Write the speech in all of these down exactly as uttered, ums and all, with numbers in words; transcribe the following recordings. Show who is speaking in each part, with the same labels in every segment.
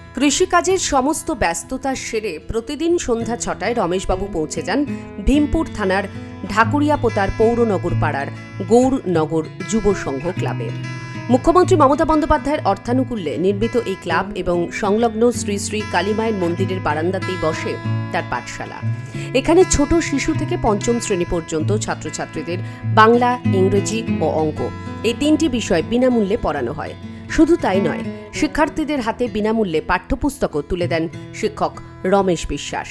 Speaker 1: কৃষিকাজের সমস্ত ব্যস্ততা সেরে প্রতিদিন সন্ধ্যা ছটায় রমেশবাবু পৌঁছে যান ভীমপুর থানার ঢাকুরিয়াপোতার পৌরনগর পাড়ার গৌরনগর যুব সংঘ ক্লাবে। মুখ্যমন্ত্রী মমতা বন্দ্যোপাধ্যায়ের অর্থানুকূল্যে নির্মিত এই ক্লাব এবং সংলগ্ন শ্রী শ্রী কালীমায়ের মন্দিরের বারান্দাতেই বসে তার পাঠশালা। এখানে ছোট শিশু থেকে পঞ্চম শ্রেণী পর্যন্ত ছাত্রছাত্রীদের বাংলা, ইংরেজি ও অঙ্ক এই তিনটি বিষয় বিনামূল্যে পড়ানো হয়। শুধু তাই নয়, শিক্ষার্থীদের হাতে বিনামূল্যে পাঠ্যপুস্তকও তুলে দেন শিক্ষক রমেশ বিশ্বাস।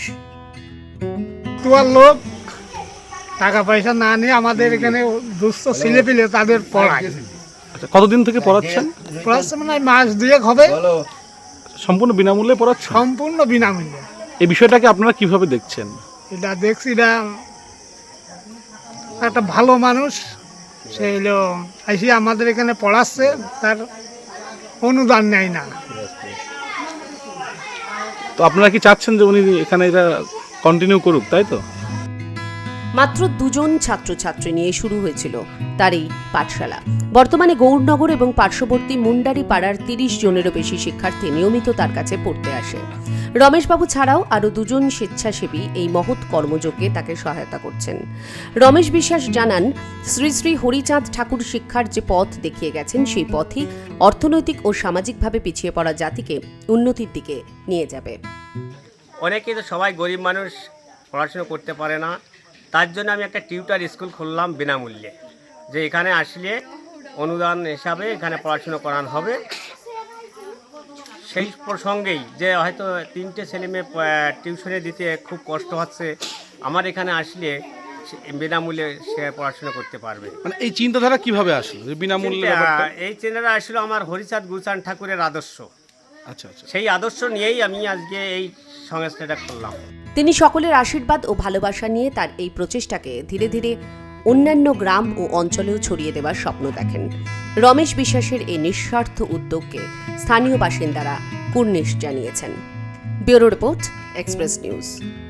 Speaker 2: লোক টাকা পয়সা না নিয়ে আমাদের এখানে দুস্থ ছেলে পেলে তাদের পড়ায়।
Speaker 3: কতদিন থেকে পড়াচ্ছেন?
Speaker 2: পড়াচ্ছে মানে মাস দুয়েক হবে।
Speaker 3: সম্পূর্ণ বিনামূল্যে পড়াচ্ছেন?
Speaker 2: সম্পূর্ণ বিনামূল্যে।
Speaker 3: এই বিষয়টাকে আপনারা কিভাবে দেখছেন?
Speaker 2: এটা দেখছি, এটা একটা ভালো মানুষ, সে হলো এসে আমাদের এখানে পড়াচ্ছে, তার অনুদান নেয় না।
Speaker 3: তো আপনারা কি চাচ্ছেন যে উনি এখানে এটা কন্টিনিউ করুক, তাই তো?
Speaker 1: মাত্র দুজন ছাত্রছাত্রী নিয়ে শুরু হয়েছিল তার এই পাঠশালা। বর্তমানে গৌরনগর এবং পার্শ্ববর্তী মুন্ডারি পাড়ার তিরিশ জনেরও বেশি শিক্ষার্থী নিয়মিত তার কাছে পড়তে আসে। রমেশবাবু ছাড়াও আরও দুজন স্বেচ্ছাসেবী এই মহৎ কর্মযজ্ঞে তাকে সহায়তা করছেন। রমেশ বিশ্বাস জানান, শ্রী শ্রী হরিচাঁদ ঠাকুর শিক্ষার যে পথ দেখিয়ে গেছেন, সেই পথই অর্থনৈতিক ও সামাজিকভাবে পিছিয়ে পড়া জাতিকে উন্নতির দিকে নিয়ে যাবে।
Speaker 4: অনেকেই তো সবাই গরিব মানুষ, পড়াশুনো করতে পারে না, তার জন্য আমি একটা টিউটার স্কুল খুললাম বিনামূল্যে, যে এখানে আসলে অনুদান হিসাবে এখানে পড়াশুনো করানো হবে। সেই প্রসঙ্গেই যে হয়তো তিনটে ছেলেমেয়ে টিউশনে দিতে খুব কষ্ট হচ্ছে, আমার এখানে আসলে বিনামূল্যে সে পড়াশুনো করতে পারবে।
Speaker 3: মানে এই চিন্তাধারা কিভাবে আসলো যে বিনামূল্যে?
Speaker 4: এই চিন্তাটা আসলে আমার হরিচাঁদ গুলচাঁদ ঠাকুরের আদর্শ।
Speaker 3: আচ্ছা আচ্ছা।
Speaker 4: সেই আদর্শ নিয়েই আমি আজকে এই সংস্থাটা করলাম।
Speaker 1: তিনি সকলের আশীর্বাদ ও ভালোবাসা নিয়ে তার এই প্রচেষ্টাকে ধীরে ধীরে অন্যান্য গ্রাম ও অঞ্চলেও ছড়িয়ে দেওয়ার স্বপ্ন দেখেন। রমেশ বিশ্বাসের এই নিঃস্বার্থ উদ্যোগকে স্থানীয় বাসিন্দারা কুর্নিশ জানিয়েছেন। Bureau report, express news.